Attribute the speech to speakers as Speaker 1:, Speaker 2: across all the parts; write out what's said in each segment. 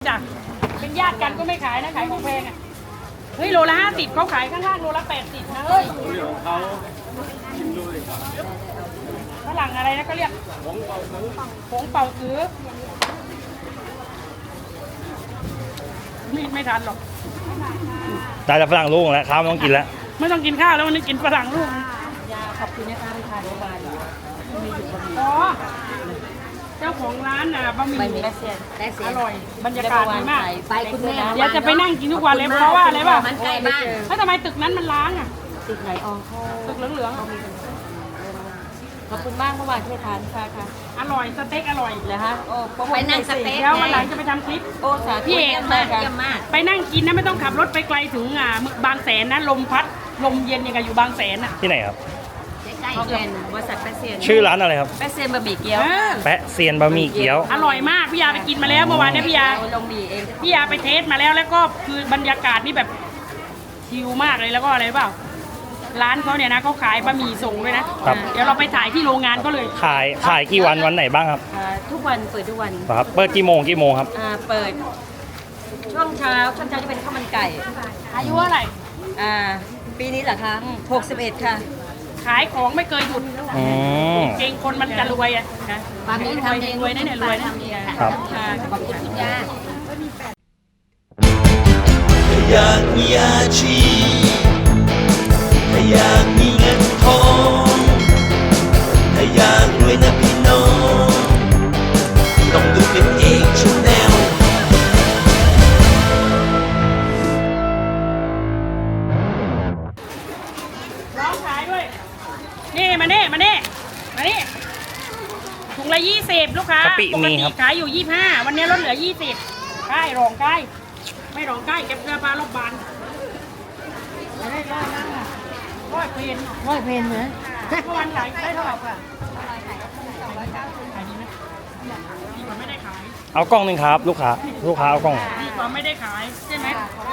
Speaker 1: จ้ะเป็นญาติกันก็ไม่ขายนะขายของแพงอ่ะเฮ้ยโลละ50เขาขายข้างๆโลละ80นะเฮ้ยเขาฝรั่งอะไรนะก็เรียกผงเป่าซื้อไม่ทันหรอก
Speaker 2: ได้แต่ฝรั่งลูกแล้วข้าวไม่ต้องกินแล้ว
Speaker 1: ไม่ต้องกินข้าวแล้ววันนี้กินฝรั่งลูก
Speaker 3: ยาขอบคุณนะคะที่ทานโรงพยาบาลมีอยู่บน
Speaker 1: อ๋อเจ้าของร้านน่ะบะหมี่
Speaker 3: ใบมีแซ่บ
Speaker 1: อร่อยบรรยากาศดีมาก
Speaker 3: ไปคุณแม่
Speaker 1: เดี๋ยวจะไปนั่งกินทุกวันเลยเพราะว่าอะไรป่ะ
Speaker 3: มันใกล้บ้าน
Speaker 1: แล้วทำไมตึกนั้นมันล้างอ่ะ
Speaker 3: ตึกไหนอองเขา
Speaker 1: ตึกเหลืองๆอะ
Speaker 3: ขอบคุณมากเมื่อวานที่ทานค่ะ
Speaker 1: อร่อยสเต็กอร่อย
Speaker 3: เลยฮะโอ้ไปนั่งสเต็ก
Speaker 1: เดี๋ยววันหลังจะไปทำคลิป
Speaker 3: โอ้สาธุ
Speaker 1: พี่เอก
Speaker 3: เยี่ยมมากเยี่ยมมาก
Speaker 1: ไปนั่งกินนะไม่ต้องขับรถไปไกลถึงบางแสนนะลมพัดลมเย็นยังไงอยู่บางแสนอ่ะ
Speaker 2: ที่ไหนครับ
Speaker 3: ใกล้ๆเกินบริษัทแปะเซียน
Speaker 2: ชื่อร้านอะไรครับ
Speaker 3: แปะเซียนบะหมี่เกี๊ยว
Speaker 2: แปะเซียนบะหมี่เกี๊ยว
Speaker 1: อร่อยมากพี่ยาไปกินมาแล้วเมื่อวานเนี่ยพี่ยา
Speaker 3: ลงหมี่เอง
Speaker 1: พี่ยาไปเทสมาแล้วก็คือบรรยากาศนี่แบบชิลมากเลยแล้วก็อะไรเปล่าร้านเขาเนี่ยนะเขาขายบะหมี่ส่งด้วยนะครับ เดี๋ยวเราไปถ่ายที่โรงงานก็เลย
Speaker 2: ขายกี่วันไหนบ้างครับ
Speaker 3: ทุกวันเปิดทุกวัน
Speaker 2: ครับเปิดกี่โมงครับ
Speaker 3: เปิดช่วงเช้าจะเป็นข้าวมันไก่
Speaker 1: อายุเท่าไหร่
Speaker 3: ปีนี้เหรอคะ61 ค่ะ
Speaker 1: ขายของไม่เคยหยุด
Speaker 2: อืม
Speaker 1: เก่งคนมันจะรวยอ่ะนะ
Speaker 3: ความนี้ทำเอง
Speaker 1: รวยนะเนี่ยรวยนะ
Speaker 2: ครับ
Speaker 3: ขอบคุณคุณย่า
Speaker 4: ถ้าอยากมีอาชีพถ้าอยากมีเงินทองถ้าอยากรวยนะพี่น้องต้องดูเป็นเอกชแนล
Speaker 1: ร้องขายด้วยนี่มาถุงละ20ลูกค้าก
Speaker 2: ะปิมีครับ
Speaker 1: ขายอยู่25วันนี้ลดเหลือ20ใกล้รองใกล้ไม่รองใกล้เก็บเสื้อผ้ารอบบานไม่ได้ร้อยนั่งอ่ะร้อยเพน
Speaker 3: ร้อยเพนนะ
Speaker 1: เมื่อวันขายได้เท่าไหร่ค่ะขายดีไหมดีกว่าไม่ได้ขาย
Speaker 2: เอากล้องหนึ่งครับ ลูกค้าเอากล้อง
Speaker 1: ดีกว่าไม่ได้ขายใช่ไหม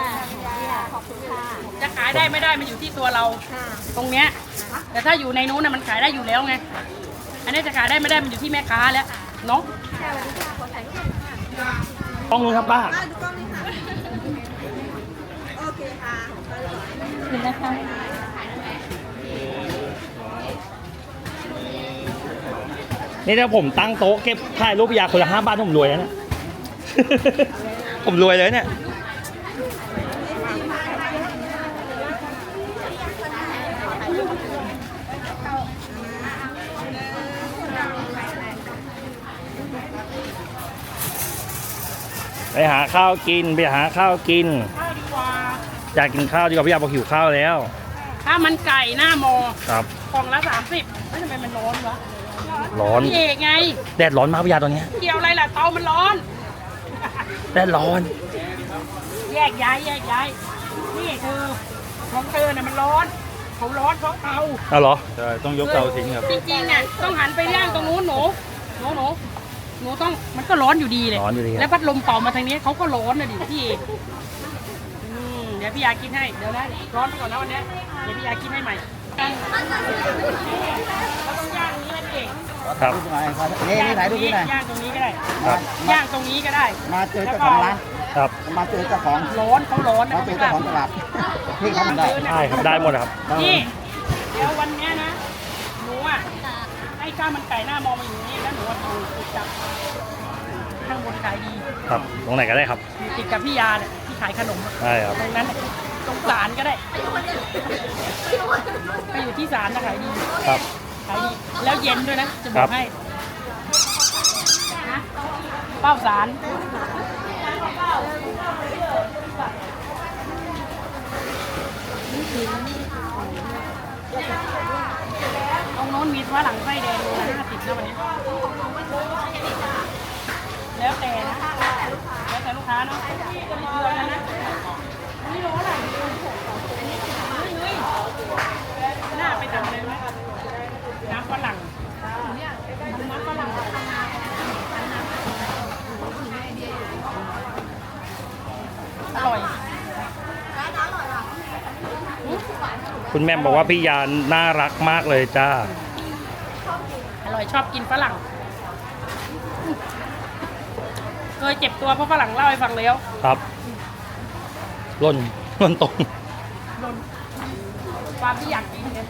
Speaker 1: จะขายได้ไม่ได้มันอยู่ที่ตัวเราตรงเนี้ยแต่ถ้าอยู่ในนู้นน่ะมันขายได้อยู่แล้วไงอันนี้จะขายได้ไม่ได้มันอยู่ที่แม่ค้าแล้วเนาะ
Speaker 2: กล้องนึงครับป้า
Speaker 3: คุณนะคะ
Speaker 2: นี่ถ้าผมตั้งโต๊ะเก็บถ่ายรูปยาคนละ5 บาทผมรวยแล้วเนี่ย ผมรวยเลยเนี่ย ไปหาข้าวกิน
Speaker 1: ข้าวดีกว่า
Speaker 2: อยากกินข้าวดีกว่าพี่ยาบอกหิวข้าวแล้ว
Speaker 1: ถ้ามันไก่หน้ามอ
Speaker 2: ครับ
Speaker 1: กล่องละ30แล้วทำไมมันร้อนวะ
Speaker 2: ร้อน
Speaker 1: พี่เอกไง
Speaker 2: แดดร้อนมากพี่ยาตอนเนี้ย
Speaker 1: เกี่ยวอะไรล่ะเตามันร้อน
Speaker 2: แดดร้อน
Speaker 1: แยกย้ายนี่คือของเธอน่ะมันร้อนเขาร้อนเพราะเตา
Speaker 2: เอาเหรอ
Speaker 5: ใช่ต้องยกเตาทิ้งครับ
Speaker 1: จริงๆอ่ะต้องหันไปย่างตรงนู้นหนูต้องมันก็ร้อนอยู่ดีเลย
Speaker 2: ร้อนอยู่ดีครับ
Speaker 1: แล้วพัดลมเป่ามาทางนี้เขาก็ร้อนนะดิพี่เอกเดี๋ยวพี่ยากินให้เดี๋ยวนะร้อนไปก่อนนะวันเนี้ยเดี๋ยวพี่ยากินให้ใหม่เราต้องย่างนี้นะพี่เอก
Speaker 2: ครับ
Speaker 6: นี่ถ่ายรูปนี่หน่อย
Speaker 1: ย่างตรงนี้ก็ได้
Speaker 2: ครับ
Speaker 1: ย่างตรงนี้ก็ได้
Speaker 6: มาเจอเจ้าของร้าน
Speaker 2: ครับ
Speaker 6: มาเจอเจ้าของ
Speaker 1: ร้อนเขาร้อนนะ
Speaker 6: มาเจอเจ้าของตลาดพี่เขาทำได้
Speaker 2: ได้ครับ ได้หมดครับ
Speaker 1: นี่เดี๋ยววันเนี้ยนะหนูอ่ะให้ข้าวมันไก่หน้ามองมาอยู่นี่แล้วหนูว่าดูติดกับข้างบนขายดี
Speaker 2: ครับ ตรงไหนก็ได้ครับ
Speaker 1: อยู่ติดกับพี่ยาเนี่ยที่ขายขนมอะ
Speaker 2: ได้ครับ
Speaker 1: ตรงนั้นน่ะตรงศาลก็ได้ไปอยู่ที่ศาลนะขายดี
Speaker 2: ครับ
Speaker 1: ขายดีแล้วเย็นด้วยนะจะบ
Speaker 2: ครั
Speaker 1: อก
Speaker 2: บ
Speaker 1: ให้นะเป้าศาลตรงโน้นมีฝรั่งไส้แดงโลละ50นะวันนี้แล้วแต่นะแล้วแต่ลูกค้าเนาะมีเกลือกันนะอันนี้โลอะไรหน้าไปทำอะไรไหมน้ำฝรั่งน้ำฝรั่งอร่อย
Speaker 2: คุณแม่บอกว่าพี่ยาน่ารักมากเลยจ้า
Speaker 1: อร่อยชอบกินฝรั่งเอยเจ็บตัวเพราะฝรั่งเล่าให้ฟังแล้ว
Speaker 2: ครับหล่นตรง
Speaker 1: โดนความที่อยากกินเนี่ย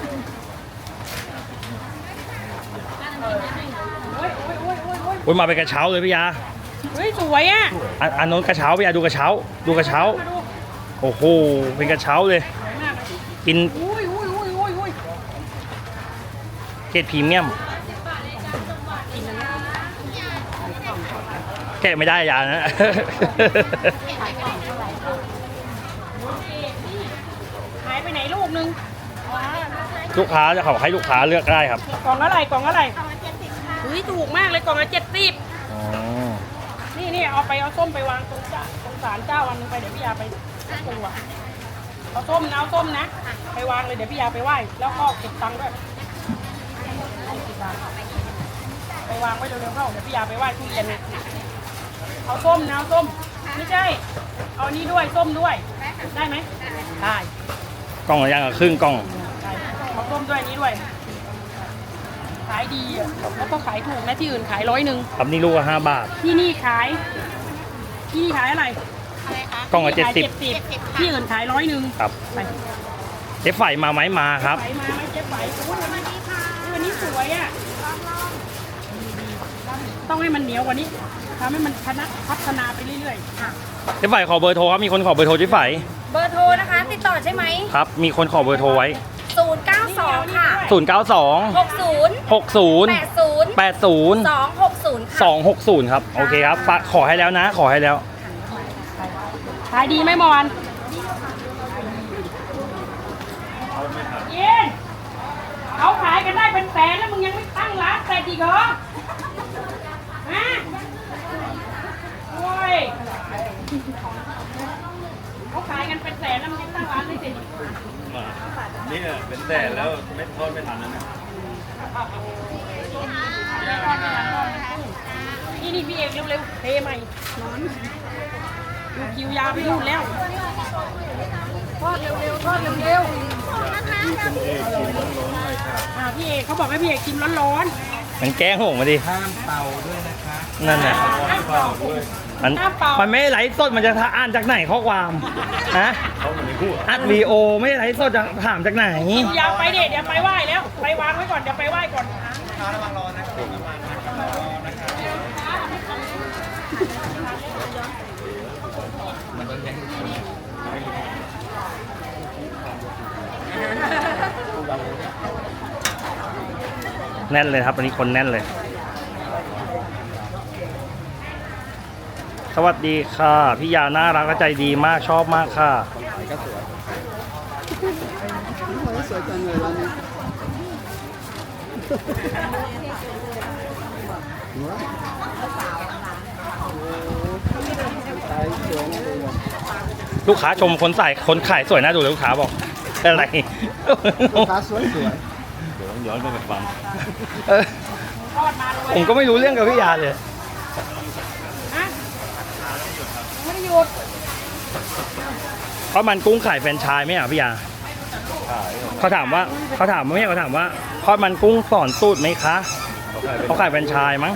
Speaker 1: โอ้ย
Speaker 2: โอ้ยมาเป็นกระเช้าเลยพี่ยา
Speaker 1: เฮ้ยสวยอ่ะ
Speaker 2: อันโน้นกระเช้าพี่ยาดูกระเช้า ดูกระเช้า
Speaker 1: มาดู
Speaker 2: โอ้โหเป็นกระเช้าเลย
Speaker 1: สวยมากเลย
Speaker 2: กิน
Speaker 1: อุ้ย
Speaker 2: เกรดพรีเมียมแกะไม่ได้ยานะ
Speaker 1: หายไปไหนลูกนึง
Speaker 2: ลูกค้าจะเขาให้ลูกค้าเลือกได้ครับ
Speaker 1: กล่องอะไรกล่องอะไรเฮ้ยถูกมากเลยกล่องละ70
Speaker 2: อ๋อ
Speaker 1: นี่เอาส้มไปวางตรงศาลเจ้าวันนึงไปเดี๋ยวพี่ยาไปปรุงอ่ะเอาส้มนะไปวางเลยเดี๋ยวพี่ยาไปไหว้แล้วก็เก็บตังค์ด้วย10 บาทไปวางไว้เร็วๆเข้าเดี๋ยวพี่ยาไปไหว้ทุเรียนเนี่ยเอาส้มนะเอาส้มไม่ใช่เอานี้ด้วยส้มด้วยได้ไหมได้
Speaker 2: กล่องละอย่างกับครึ่งกล่อง
Speaker 1: ได้เอาส้มด้วยนี้ด้วยขายดีอ่ะแล้วก็ขายถูกนะที่อื่นขาย100
Speaker 2: ครับนี่ลูกละ5 บาท
Speaker 1: ที่นี่ขายอะไร
Speaker 2: กล่องละ
Speaker 1: ขาย
Speaker 2: 70
Speaker 1: 70ที่อื่นขาย100
Speaker 2: ครับ
Speaker 1: ไป
Speaker 2: เจ๊ไฝมาไหมมาครับ
Speaker 1: ไปมาไม่เจ๊ไฝโอ้ยวันนี้สวยอ่ะต้องให้มันเหนียวกว่านี้ทำให้มันพัฒนาไปเรื่อยๆ
Speaker 2: เจ๊ไฝขอเบอร์โทรครับ มีคนขอเบอร์โทรเจ๊ไฝ
Speaker 3: เบอร์โทรนะคะ ติดต่อใช่ไหม
Speaker 2: ครับ มีคนขอเบอร์โทรไว้
Speaker 3: 092 ค่ะ
Speaker 2: 092
Speaker 3: 60
Speaker 2: 60
Speaker 3: 80
Speaker 2: 80
Speaker 3: 260 ค่ะ
Speaker 2: 260 ครับ โอเคครับขอให้แล้วนะ ขอให้แล้ว
Speaker 1: ขายดีไหมเมื่อวานเย็นเขาขายกันได้เป็นแสนแล้วมึงยังไม่ตั้งร้านแต่อีกเหรอฮะโอ้ยเขาขายกันเป็นแสนแล้วมึงยังตั้งร้านไม่เสร็จอีก
Speaker 5: นี่เป็นแต่แล้วไม่ทอดไม่ทันแล้วนะ
Speaker 1: นี่พี่เอกเร็วๆเทใหม่นอนดูคิวยาวไปนู่นแล้วทอดเร็วๆทอดเร็วๆพี่เอกเขาบอกให้พี่เอกชิมร้อน
Speaker 2: มันแกล้งผมมาดิ
Speaker 6: ห้ามเป่าด้วยนะคะ
Speaker 2: นั่นแหละ
Speaker 1: ๆน้ำเปล่า
Speaker 2: มันไม่ได้ไลฟ์สดมันจะอ่านจากไหนข้อความฮะ
Speaker 5: เขามันไม่พูด
Speaker 2: อัดวีโอไม่ได้ไลฟ์สดจะถามจากไหน
Speaker 1: ยาวไปเดี๋ยวไปไหว้แล้ว ไปวางไว้ก่อนเดี๋ยวไปไหว้ก่อน
Speaker 2: แน่นเลยครับวันนี้คนแน่นเลย สวัสดีค่ะ พี่ยาน่ารักและใจดีมากชอบมากค่ะ
Speaker 6: ก็สวยสวยจังเลยร้านนี้
Speaker 2: ลูกค้าชมคนขายสวยน่าดูเลยลูกค้าบอกอะไร
Speaker 6: ลูกค้าสวย
Speaker 5: เดี๋ยวต้องย้อนไปฟัง
Speaker 2: เออ
Speaker 1: ทอดมาเลย
Speaker 2: ผมก็ไม่รู้เรื่องกับพี่ยาเลย
Speaker 1: ฮะไม่ได้หยุด
Speaker 2: เพราะมันกุ้งขายแฟรนไชส์ไหมอ่ะพี่ยาเขาถามว่าทอดมันกุ้งสอนสูตรไหมคะเขาขายแฟรนไชส์มั้ง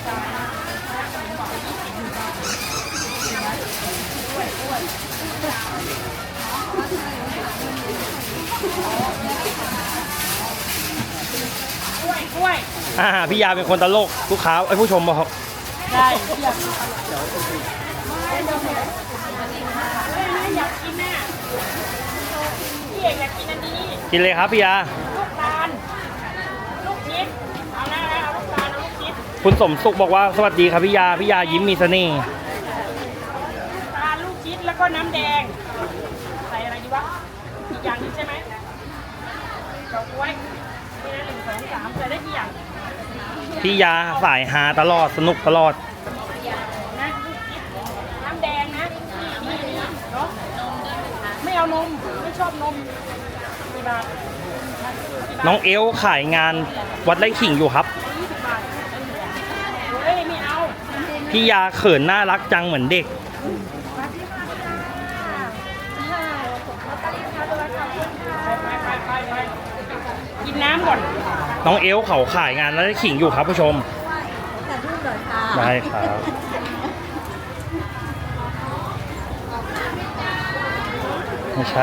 Speaker 1: กล้วย
Speaker 2: พี่ยาเป็นคนตลกลูกค้าไอ้ผู้ชมบอก
Speaker 1: ได้อยากอยากกินน่ะพี่เอกอยากกินอันนี้
Speaker 2: กินเลยครับพี่ยา
Speaker 1: ลูกตาลลูกชิดเอานะเอาลูกตาลเอาลูกชิด
Speaker 2: คุณสมสุขบอกว่าสวัสดีครับพี่ยายิ้มมีเสน่ห์
Speaker 1: ลูกตาลลูกชิดแล้วก็น้ำแดงใส่อะไรดีวะอีกอย่างหนึงใช่ไหมดอกกล้วยนี่นะ1 2 3ใส่ได้กี่อย่าง
Speaker 2: พี่ยาสายฮาตลอดสนุกตลอด
Speaker 1: นะน้ำแดงนะนี่เนาะไม่เอานมไม่ชอบนมกี่บาท
Speaker 2: น้องเอลขายงานวัดไร่ขิงอยู่ครับ
Speaker 1: 20 บาทเฮ้ยไม่เอา
Speaker 2: พี่ยาเขินน่ารักจังเหมือนเด็ก
Speaker 1: ไปกินน้ำก่อน
Speaker 2: น้องเอลเขาขายงานวัดไร่ขิงอยู่ครับผู้ชม
Speaker 3: แต่รูปหน่อยค่ะ
Speaker 2: ได้ครับไม่ใช่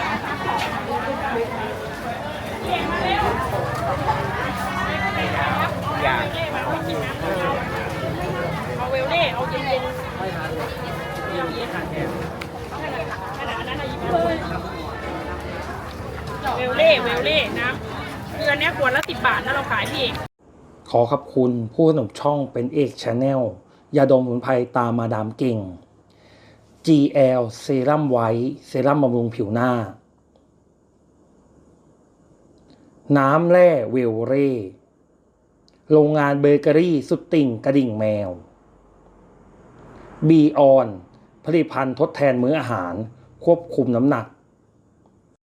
Speaker 6: อยาก
Speaker 1: เอาเวลเล่เอาเย็นๆไม่ทานเย็นๆขนาดนั้นนะหยิบมาเวลเล่น้ำคืออันเนี้ยขวดละ10 บาทนะเราขายพี่เอก
Speaker 2: ขอขอบคุณผู้สนับสนุนช่องเป็นเอกชาแนลยาดมสมุนไพรตามมาดามเก่ง GL เซรั่มไวท์เซรั่มบำรุงผิวหน้า น้ำแร่เวลเร่โรงงานเบเกอรี่สุดติ่งกระดิ่งแมว บีออนผลิตภัณฑ์ทดแทนมื้ออาหารควบคุมน้ำหนัก